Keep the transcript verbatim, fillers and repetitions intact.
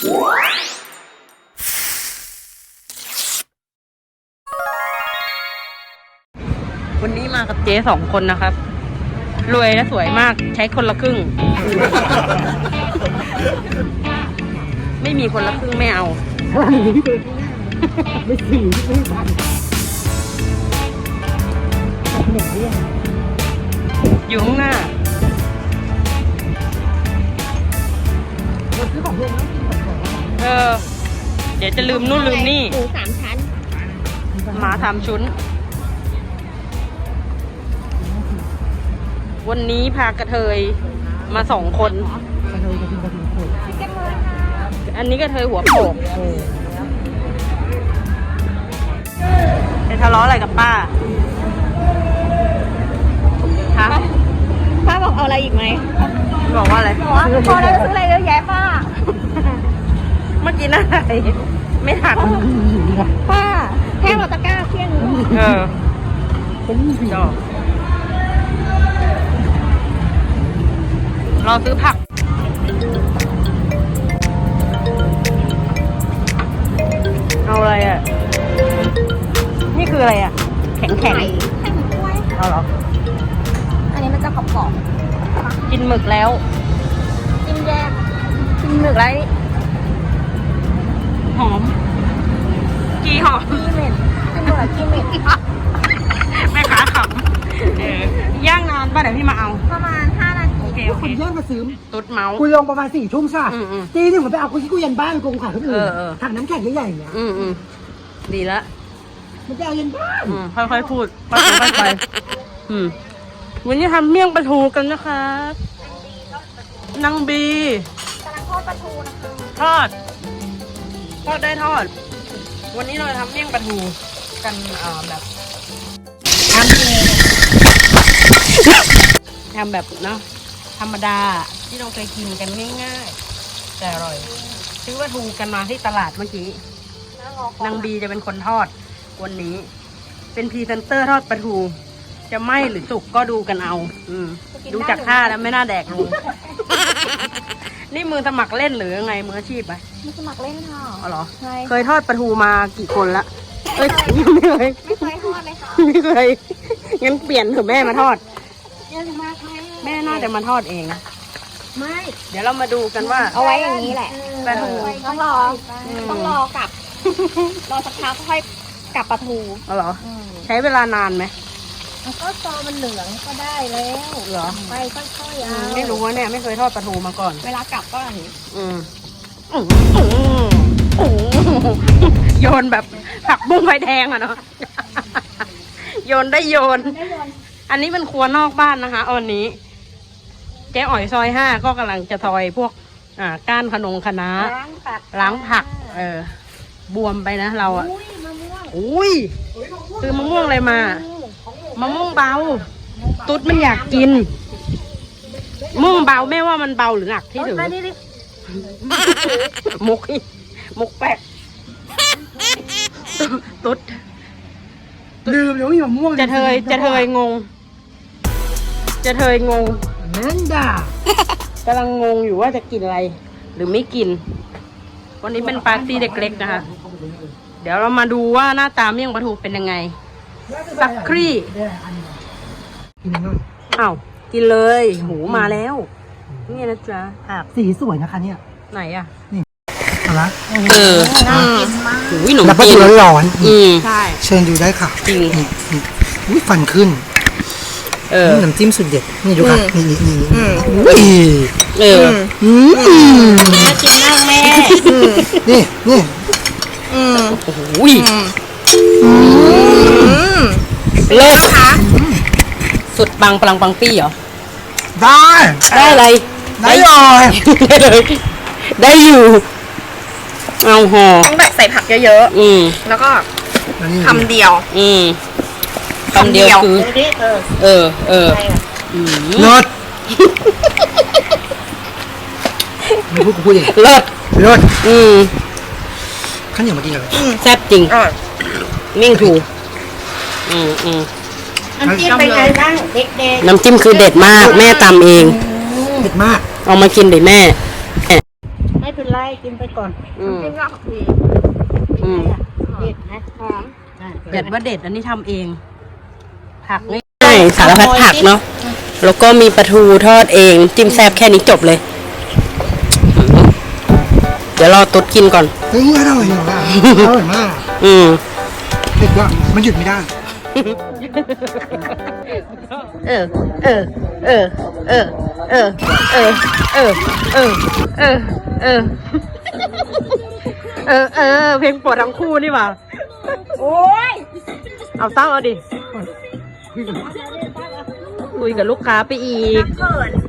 วันนี้มากับเจ๊สองคนนะครับ รวยและสวยมากใช้คนละครึ่ง ไม่มีคนละครึ่งไม่เอาไม่ถึงไม่ทันอยู่ข้างหน้าเออเดี๋ยวจะลืมนู่นลืมนี่หมูสามชั้นหมาสามชุนวันนี้พากระเทยมาสองคนอันนี้กระเทยหัวโปกจะทะเลาะอะไรกับป้าฮะป้าบอกเอาอะไรอีกไหมบอกว่าอะไรบอกว่าพอแล้วซื้ออะไรเยอะแยะป้าเมื่อกี้น่าอะไรไม่ทันป้าแค่เราตะกร้าเพี้ยงเออจบรอซื้อผักเอาอะไรอ่ะนี่คืออะไรอ่ะแข็งแข็งไข่ไข่หมึกกล้วยเอาเหรออันนี้มันจะกรอบกินหมึกแล้วๆจิ้มแยกกินหมึกไรหอมกีหอมกีเม็ดกินหมึกกับกีเม็ดแม่ค้าขำเออย่างนานป่ะเดี๋ยวพี่มาเอาประมาณห้านาทีโอเคโอคเคนแย่งมาซื้อตุ๊ดเมาส์กูลงประมาณสี่ทุ่มใช่อืมอืมตีหนึ่งผมไปเอากูที่กูยันบ้านกูขายคนอื่นเออเออถังน้ำแข็งใหญ่ๆเนี่ยอืมอืมดีละมันจะเอายันบ้านอืมค่อยๆพูดค่อยๆไปอืมวันนี้ทำเมี่ยงปลาทูกันนะคะนางบีกำลังทอดปลาทูนะคะทอด ทอดได้ทอด วันนี้เราจะทำเมี่ยงปลาทูกันเอ่อแบบทำเองทำแบบเนาะธรรมดาที่เราเคยกินกันง่ายๆแต่อร่อยซื้อปลาทูกันมาที่ตลาดเมื่อกี้นางบีจะเป็นคนทอดวันนี้ เป็นพรีเซนเตอร์ทอดปลาทู จะไหม้หรือสุกก็ดูกันเอา อืมดูจากท่าแล้วไม่น่าแดกลุง นี่มือสมัครเล่นหรือยังไงมืออาชีพไหมมีสมัครเล่นค่ะอ๋อเหรอใช่เคยทอดปลาทูมากี่คนละ เอ้ยไม่เคยไม่เคยทอดเลยค่ะไม่เคย งั้นเปลี่ยนเถอะแม่มาทอดเยอะมากค่ะแม่น่าจะมาทอดเองไม่เดี๋ยวเรามาดูกันว่าเอาไว้อย่างนี้แหละปลาทูต้องรอ ต้องรอกลับ รอสักพักค่อยกลับปลาทูเอาเหรอ ใช้เวลานานไหมก็ซอมันเหลืองก็ได้แล้วเหรอไปค่อยๆอืเอามไม่รู้ว่าเนี่ยไม่เคยทอดปลาทูมาก่อนเวลากลับก็อย่างนี้อืมอืมอืมอืมโยนแบบผักบุ้งไฟแดงอะเนาะ โยนได้โยน อันนี้เป็นครัวนอกบ้านนะคะวันนี้เจ๊อ๋อยซอยห้าก็กำลังจะซอยพวก อ่าก้านขนงคะน้าล้างผักล้างผัก เออ บวมไปนะเราอะอุ้ยมะม่วงอุ้ยซื้อมะม่วงอะไรมา มะม่วงเบา ตุ๊ดมันอยากกินมะม่วงเบาแม่ว่ามันเบาหรือหนักที่ถือมาดิดิมุกอีกมุกแปลกตุ๊ดลืมเลยว่ามีมะม่วงจะเทยจะเทยงง จะเทยงงนั่นด่ากำลังงงอยู่ว่าจะกินอะไร หรือไม่กิน วันนี้เป็นปาร์ตี้เด็กเล็กนะคะ เดี๋ยวเรามาดูว่าหน้าตาเมี่ยงปลาทูเป็นยังไง สักครี่กินหน่อยอ้าวกินเลยหูมาแล้ว นี่นะจ๊ะผักสีสวยนะคะเนี่ยไหนอ่ะเอาละเออน่ากินมากหูยหนมแล้วปลาจีทูนร้อนอืมใช่ๆเชิญดูได้ค่ะจริงนี่นี่อุ้ยฟันขึ้นเออนี่น้ำจิ้มสุดเด็ดนี่ดูค่ะนี่นี่นี่อุ้ยเอออืมน่ากินมากแม่นี่นี่โอ้โหเลิศคะสุดปังปลังปังปี้เหรอได้ได้อะไรได้เลยได้เลย ได้อยู่ เอาห่อต้องแบบใส่ผักเยอะอืมๆ แล้วก็แล้วนี่คำเดียวอืมคำเดียวคือ เออ เอออืมเลิศไม่พูดกูพูดเองเลิศเลิศอืมข้าวเหนียวมากินเลยแซ่บจริงมิ่งถูกอืมอืมน้ำจิ้มเป็นไงบ้างเด็กน้ำจิ้มคือเด็ดมาก แม่ตำเองเผ็ดมากเอามากินเลยแม่ๆ ไม่เป็นไรไรกินไปก่อน อืมกินรอบทีอืมเด็ดนะหอมเด็ดว่าเด็ดอันนี้ทำเอง ผักง่ายสารพัดผักเนาะแล้วก็มีปลาทูทอดเองจิ้มแซ่บแค่นี้จบเลยอืมเดี๋ยวรอตุ๊ดกินก่อนเฮ้ยอร่อยเหรออร่อยมากอืมเด็ดว่ามันหยุดไม่ได้เออ เออ เออ เออ เออ เออ เออ เออ เออ เออ เออ เออ เพลงโปรดทั้งคู่นี่หว่าโอ้ยเอาตั้งเอาดิ คุยกับลูกค้าไปอีกเขิน